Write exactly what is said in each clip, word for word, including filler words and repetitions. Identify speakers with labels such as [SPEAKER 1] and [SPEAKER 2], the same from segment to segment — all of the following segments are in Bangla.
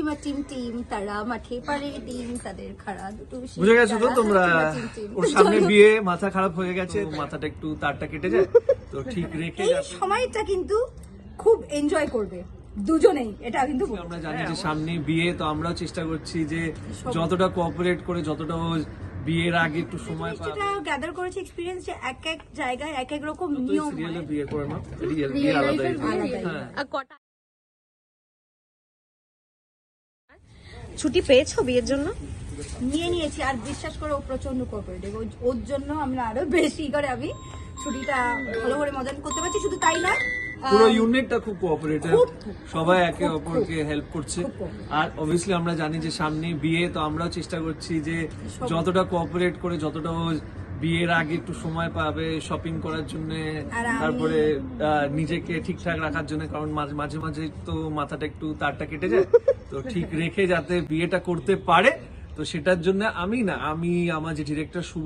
[SPEAKER 1] হাট্টিমা টিম টিম তারা মাঠে পারে ডিম তাদের খাড়া দুটো
[SPEAKER 2] বুঝে গেছো তো তোমরা? ওর সামনে বিয়ে, মাথা খারাপ হয়ে গেছে, মাথাটা একটু তারটা কেটে যায় তো ঠিক রেখে
[SPEAKER 1] এই সময়টা কিন্তু খুব এনজয় করবে দুজনেই, এটা কিন্তু
[SPEAKER 2] আমরা জানি যে সামনে বিয়ে, তো আমরাও চেষ্টা করছি যে যতটা কোঅপারেট করে, যতটা বিয়ের আগে একটু সময় পাওয়া।
[SPEAKER 1] যেটা গ্যাদার করেছি এক্সপেরিয়েন্স যে এক এক জায়গায় এক এক রকম নিয়ম
[SPEAKER 2] সিরিয়ালে বিয়ে করে না, রিয়েল বিয়ে আলাদা।
[SPEAKER 3] আর কটা ছুটি পেয়েছো বিয়ের জন্য?
[SPEAKER 1] নিয়ে নিয়েছি, আর বিশ্বাস করে ও প্রচন্ড কোঅপারেটিভ, ওর জন্য আমরা আরো বেশি করে আমি ছুটিটা ভালো করে মজা করতে পারছি। শুধু তাই নয়,
[SPEAKER 2] পুরো ইউনিটটা খুব কোঅপারেটিভ, সবাই একে অপরকে হেল্প করছে। আর অবভিয়াসলি আমরা জানি যে সামনে বিয়ে, তো আমরাও চেষ্টা করছি যে যতটা কোঅপারেট করে, যতটা বিয়ের আগে একটু সময় পাবে শপিং করার জন্য, তারপরে নিজেকে ঠিকঠাক রাখার জন্য, কারণ মাঝে মাঝে তো মাথাটা একটু তারটা কেটে যায়, তো ঠিক রেখে যাতে বিয়েটা করতে পারে। তো সেটার জন্য আমি না আমি আমার যে ডিরেক্টর শুভ,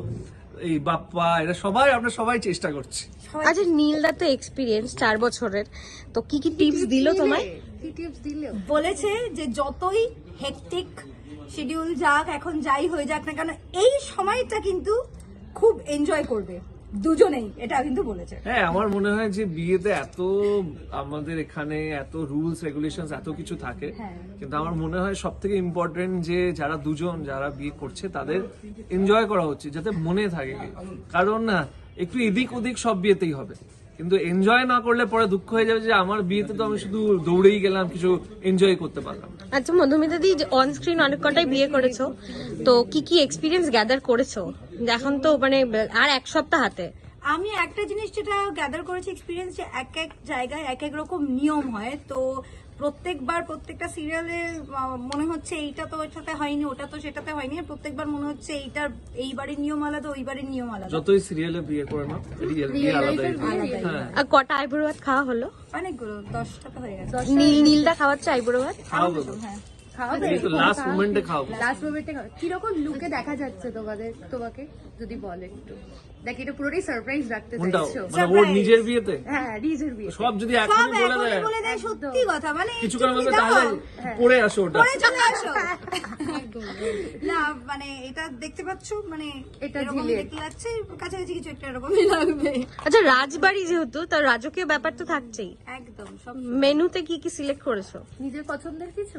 [SPEAKER 2] এই বাপ্পা, এরা সবাই আমরা সবাই চেষ্টা করছি।
[SPEAKER 3] আচ্ছা, নীলদা তো এক্সপিরিয়েন্স চার বছরের, তো কি কি টিপস দিল তোমায়?
[SPEAKER 1] কি টিপস দিল? বলেছে যে যতই হেকটিক শিডিউল যাক, এখন যাই হয়ে যাক না কেন, এই সময়টা কিন্তু খুব এনজয় করবে দুজনেই, এটা কিন্তু বলেছে।
[SPEAKER 2] হ্যাঁ, আমার মনে হয় যে বিয়েতে এত আমাদের এখানে এত রুলস রেগুলেশনস এত কিছু থাকে, কিন্তু আমার মনে হয় সব থেকে ইম্পর্টেন্ট যে যারা দুজন যারা বিয়ে করছে তাদের এনজয় করা উচিত, যাতে মনে থাকে। কারণ না একটু এদিক ওদিক সব বিয়েতেই হবে, কিন্তু এনজয় না করলে পরে দুঃখ হয়ে যাবে যে আমার বিয়েতে তো আমি শুধু দৌড়েই গেলাম, কিছু এনজয় করতে পারলাম।
[SPEAKER 3] আচ্ছা মধুমিতা দি, অন স্ক্রিন অনেক কটাই বিয়ে করেছো, তো কি কি এক্সপিরিয়েন্স গ্যাদার করেছো? এখন তো মানে আর এক সপ্তাহ হাতে।
[SPEAKER 1] আমি একটা জিনিস যেটা গ্যাদার করেছি এক্সপিরিয়েন্স, যে এক এক জায়গায় এক এক রকম নিয়ম হয়, তো প্রত্যেকবার প্রত্যেকটা সিরিয়ালে মনে হচ্ছে এইটা তো ওইটাতে হয়নি, ওটা তো সেটাতে হয়নি, প্রত্যেকবার মনে হচ্ছে এইটার এই বাড়ির নিয়ম আলাদা, ওই বাড়ির নিয়ম আলাদা।
[SPEAKER 2] যতই সিরিয়ালে বিয়ে করে না, রিয়েল বিয়ে আলাদা।
[SPEAKER 3] আর কটা আইবুড়ো ভাত খাওয়া হলো?
[SPEAKER 1] অনেকগুলো, দশটা তো হয়ে গেছে।
[SPEAKER 3] নীল নীলদা খাওয়াচ্ছে আইবুড়ো ভাত?
[SPEAKER 2] খাওয়াবো,
[SPEAKER 1] হ্যাঁ
[SPEAKER 2] লাস্ট মোমেন্টে খাওয়াবো।
[SPEAKER 4] লাস্ট মোমেন্টে কিরকম লুকে দেখা যাচ্ছে তোমাদের, তোমাকে যদি বলে একটু। দেখ, এটা পুরোটাই সারপ্রাইজ রাখতে চাইছো।
[SPEAKER 2] মানে ওর নিজের বিয়েতে
[SPEAKER 4] হ্যাঁ, নিজের বিয়ে
[SPEAKER 2] সব যদি এখনই বলে দেয়,
[SPEAKER 1] বলে দেয় সত্যি কথা, মানে
[SPEAKER 2] কিছু কারণ হবে তাহলে পড়ে আসো, ওটা
[SPEAKER 1] পরে চলে আসো। না মানে এটা দেখতে পাচ্ছ, মানে
[SPEAKER 4] এটা
[SPEAKER 1] এরকম
[SPEAKER 4] ঝিলিয়ে।
[SPEAKER 1] দেখতে লাগছে, কাছাকাছি কিছু একটা এরকমই লাগবে।
[SPEAKER 3] আচ্ছা, রাজবাড়ি যেহেতু, তার রাজকীয় ব্যাপার তো থাকছেই।
[SPEAKER 1] একদম সব
[SPEAKER 3] মেনুতে কি কি সিলেক্ট করেছো?
[SPEAKER 4] নিজের পছন্দের কিছু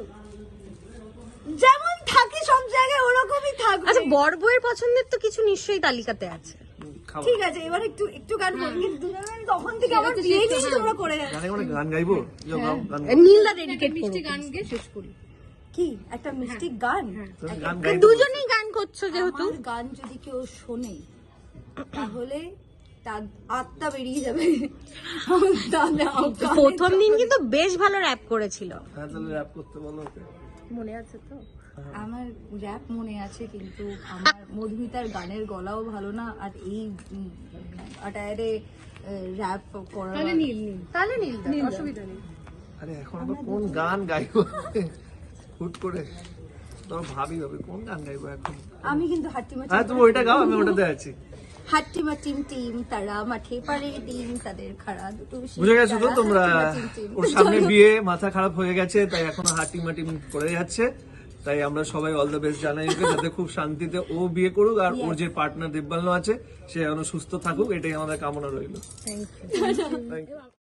[SPEAKER 1] যেমন থাকে সব জায়গায় ওরকমই থাকবে।
[SPEAKER 3] আচ্ছা, বর বউয়ের পছন্দের তো কিছু নিশ্চয়ই তালিকাতে আছে।
[SPEAKER 1] ঠিক আছে, এবার একটু একটু গান বলি, কিন্তু তখন থেকে আমার বিয়ে নিয়ে তোমরা করে যাচ্ছ।
[SPEAKER 2] গানে গানে গান গাইবো, যাও গাও গান গাও।
[SPEAKER 3] নীলদা ডেডিকেট
[SPEAKER 4] মিষ্টি গান গিয়ে শেষ করি।
[SPEAKER 1] কি একটা মিষ্টি গান,
[SPEAKER 2] তুমি গান গাইবো।
[SPEAKER 3] দুজনেই গান করছো যেহেতু।
[SPEAKER 1] আমার গান যদি কেউ শোনে তাহলে তার আত্মা বেরিয়ে যাবে। তাহলে আমার গানের
[SPEAKER 3] প্রথম দিন কিন্তু বেশ ভালো র্যাপ করেছিল।
[SPEAKER 2] হ্যাঁ, তাহলে র‍্যাপ করতে বলো ওকে।
[SPEAKER 4] মনে আছে তো?
[SPEAKER 1] আমার র্যাপ মনে আছে, কিন্তু আমার মধুমিতার গানের গলাও ভালো না, আর এই আটায়ারে র্যাপ করা।
[SPEAKER 4] তাহলে নীল নীল তাহলে নীল অসুবিধা নেই।
[SPEAKER 2] আরে এখন আমরা কোন গান গাইবো হুট করে, তো ভাবি হবে কোন গান গাইবো এখন।
[SPEAKER 1] আমি কিন্তু হাট্টিমা
[SPEAKER 2] হ্যাঁ, তুমি ওইটা গাও, আমি ওটাতে আছি।
[SPEAKER 1] হাট্টিমা টিম টিম তারা মাঠে পারে ডিম তাদের খাড়া দুটো
[SPEAKER 2] বুঝে গেছো তো তোমরা? ওর সামনে বিয়ে, মাথা খারাপ হয়ে গেছে, তাই এখনো হাটিম মাটিম করে যাচ্ছে। তাই আমরা সবাই অল দ্য বেস্ট জানাই ওকে, যাতে খুব শান্তিতে ও বিয়ে করুক, আর ওর যে পার্টনার দেববান্ন আছে সে যেন সুস্থ থাকুক, এটাই আমাদের কামনা রইল।
[SPEAKER 1] Thank you.
[SPEAKER 2] Thank you.